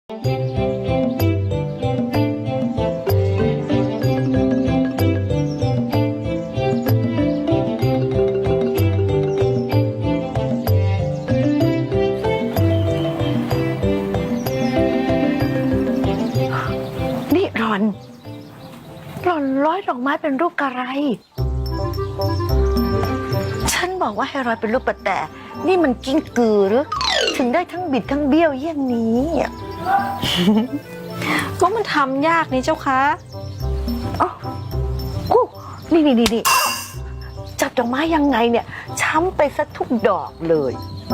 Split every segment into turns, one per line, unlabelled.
นี่หล่อนร้อยดอกไม้เป็นรูปกระไรฉันบอกว่าให้ร้อยเป็นรูปประแตนี่มันกิ้งกือหรือถึงได้ทั้งบิดทั้งเบี้ยวเยี่ยงนี้
ก็มันทำยากนี่เจ้าคะ
อ๋อกู้นี่จับดอกไม้ยังไงเนี่ยช้ำไปซะทุกดอกเลย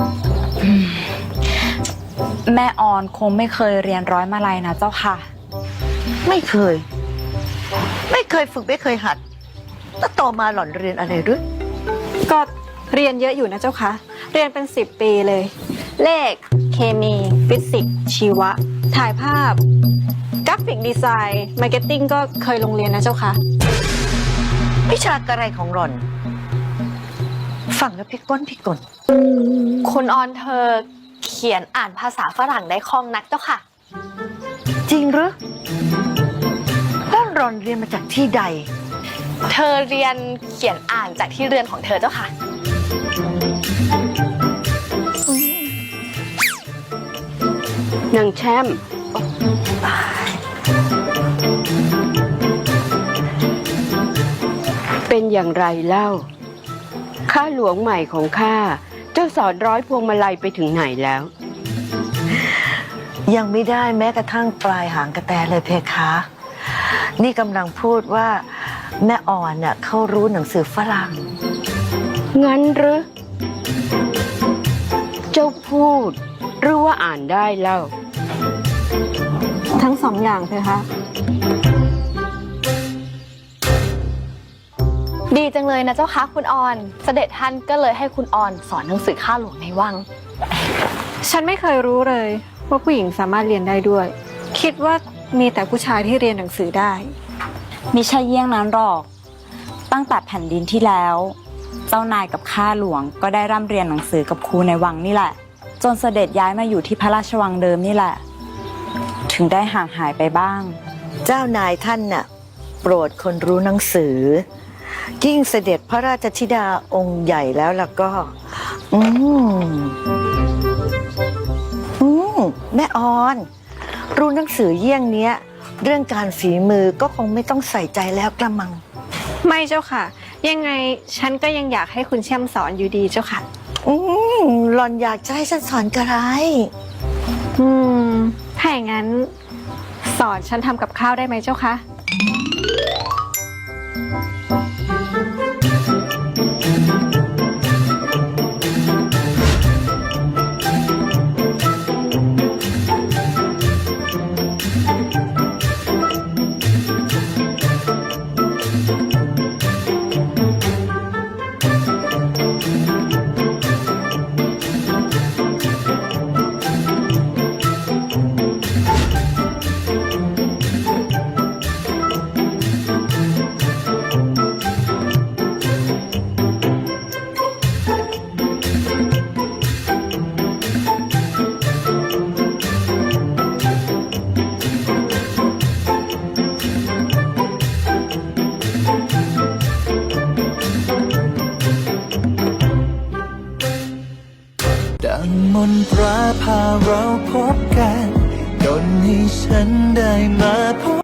แม่ออนคงไม่เคยเรียนร้อยมาลัยนะเจ้าค่ะ
ไม่เคยฝึกไม่เคยหัดแล้วต่อมาหล่อนเรียนอะไรหรือ
ก็เรียนเยอะอยู่นะเจ้าคะเรียนเป็น10 ปีเลยเลขเคมีฟิสิกส์ชีวะถ่ายภาพกราฟิกดีไซน์มาร์เก็ตติ้งก็เคยลงเรียนนะเจ้าคะ
วิชากระไรของหล่อนฟังแล้วพี่ก้น
คุณออนเธอเขียนอ่านภาษาฝรั่งได้คล่องนักเจ้าค่ะ
จริงหรือแล้วหล่อนเรียนมาจากที่ใด
เธอเรียนเขียนอ่านจากที่เรือนของเธอเจ้าค่ะ
นางแช่มเป็นอย่างไรเล่าข้าหลวงใหม่ของข้าเจ้าสอนร้อยพวงมาลัยไปถึงไหนแล้ว
ยังไม่ได้แม้กระทั่งปลายหางกระแตเลยเพคะนี่กำลังพูดว่าแม่อ่อนน่ะเขารู้หนังสือฝรั่ง
งั้นหรือเจ้าพูดหรือว่าอ่านได้เล่า
ทั้งสองอย่างเพคะ
ดีจังเลยนะเจ้าคะคุณออนเสด็จท่านก็เลยให้คุณออนสอนหนังสือข้าหลวงในวัง
ฉันไม่เคยรู้เลยว่าผู้หญิงสามารถเรียนได้ด้วยคิดว่ามีแต่ผู้ชายที่เรียนหนังสือได้
มิใช่เยี่ยงนั้นหรอกตั้งแต่แผ่นดินที่แล้วเจ้านายกับข้าหลวงก็ได้ร่ำเรียนหนังสือกับครูในวังนี่แหละจนเสด็จย้ายมาอยู่ที่พระราชวังเดิมนี่แหละถึงได้ห่างหายไปบ้าง
เจ้านายท่านน่ะโปรดคนรู้หนังสือยิ่งเสด็จพระราชธิดาองค์ใหญ่แล้วก็แม่ออนรู้หนังสือเยี่ยงเนี้ยเรื่องการฝีมือก็คงไม่ต้องใส่ใจแล้วกระมัง
ไม่เจ้าค่ะยังไงฉันก็ยังอยากให้คุณแช่มสอนอยู่ดีเจ้าค่ะ
หล่อนอยากจะให้ฉันสอนกระไร
ถ้าอย่างนั้นสอนฉันทำกับข้าวได้ไหมเจ้าคะ
ดังมนตราพาเราพบกันดลให้ฉันได้มาพบ